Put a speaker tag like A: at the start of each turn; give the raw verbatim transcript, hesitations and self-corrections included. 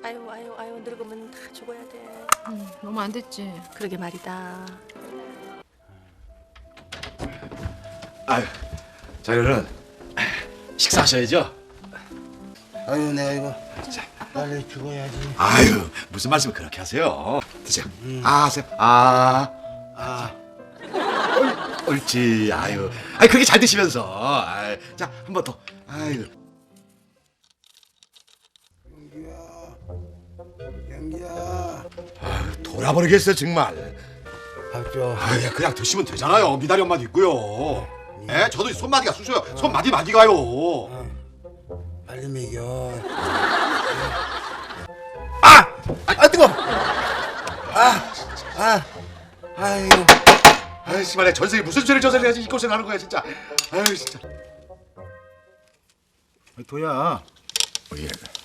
A: 아유 아유 아유 늙으면 다 죽어야 돼.
B: 음, 너무 안 됐지.
A: 그러게 말이다.
C: 아유, 자녀는 식사하셔야죠.
D: 아유 내가 이거 빨리 죽어야지.
C: 아유, 무슨 말씀을 그렇게 하세요? 드세요. 아, 세, 아, 아, 옳, 옳지. 아유, 아유 그렇게 잘 드시면서. 아유, 자, 한 번 더. 아유.
D: 연기야.
C: 아유, 돌아버리겠어요 정말.
D: 밥 줘.
C: 아유, 그냥 드시면 되잖아요. 미다리 엄마도 있고요. 예, 저도 손마디가 쑤셔요. 손마디 마디 가요.
D: 빨리 먹여. 아! 아 뜨거. 아! 아! 아유.
C: 아유, 씨발, 전생에 무슨 죄를 저질러야지 이 고생 하는 거야 진짜. 아유, 진짜.
D: 도야.
C: 어, 예.